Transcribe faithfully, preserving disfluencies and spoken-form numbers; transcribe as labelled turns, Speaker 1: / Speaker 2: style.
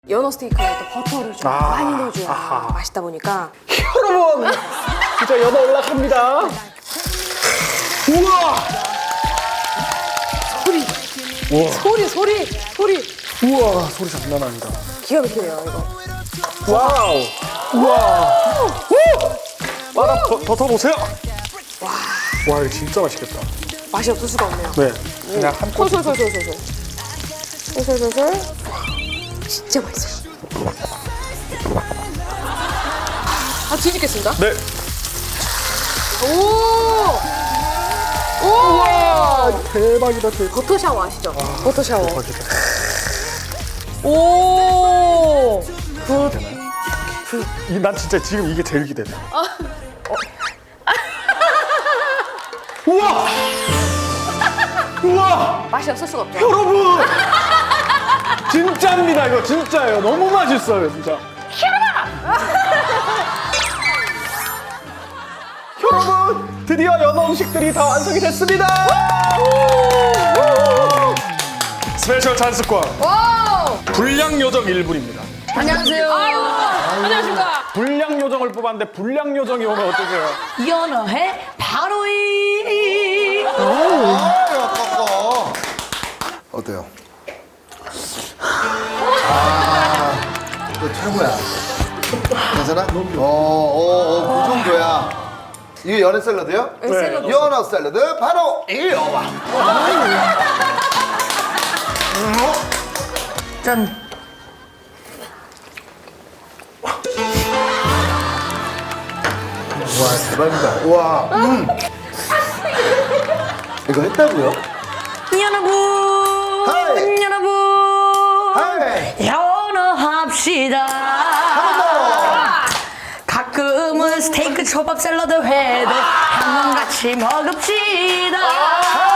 Speaker 1: 연어 스테이크에 또 버터를 좀
Speaker 2: 아,
Speaker 1: 많이 넣어줘야
Speaker 2: 아하.
Speaker 1: 맛있다 보니까.
Speaker 2: 여러분, 진짜 연어 올라갑니다. 우와!
Speaker 1: 소리,
Speaker 2: 우와,
Speaker 1: 소리, 소리, 소리.
Speaker 2: 우와, 소리 장난 아니다.
Speaker 1: 기가 막히네요, 이거.
Speaker 2: 와우! 우와! 우! 바다 더, 더 터보세요.
Speaker 1: 와,
Speaker 2: 와, 이거 진짜 맛있겠다.
Speaker 1: 맛이 없을 수가 없네요.
Speaker 2: 네, 그냥 한 꼬.
Speaker 1: 솔솔솔솔솔솔. 솔솔솔솔. 진짜 맛있어요. 아, 뒤집겠습니다.
Speaker 2: 네.
Speaker 1: 오! 오!
Speaker 2: 우와, 대박이다, 대박.
Speaker 1: 버터 샤워 아시죠? 버터 샤워.
Speaker 2: 대박이다.
Speaker 1: 오! 굿.
Speaker 2: 이, 난 진짜 지금 이게 제일 기대돼. 어. 우와! 우와!
Speaker 1: 맛이 없을 수가 없죠.
Speaker 2: 여러분! 진짜입니다, 이거 진짜예요. 너무 맛있어요, 진짜. 여러분, 드디어 연어 음식들이 다 완성이 됐습니다. 스페셜 찬스권
Speaker 1: 와우!
Speaker 2: 불량 요정 일 분입니다.
Speaker 1: 안녕하세요. 안녕하십니까.
Speaker 2: 불량 요정을 뽑았는데 불량 요정이 오면 어떠세요?
Speaker 3: 연어회 바로 이
Speaker 4: 어때요? 아, 너 최고야. 괜찮아? 어, 어, 어, 그 정도야. 이게 연어 샐러드요?
Speaker 1: 네, 샐러드.
Speaker 4: 연어 샐러드 바로 이어와.
Speaker 3: 짠.
Speaker 4: 와, 대박이다. 와, 음. 이거 했다고요?
Speaker 3: 여러분,
Speaker 4: 하이.
Speaker 3: 여러분,
Speaker 4: 하이.
Speaker 3: 연어합시다. 가끔은 스테이크 초밥 샐러드 회도 한번 같이 먹읍시다.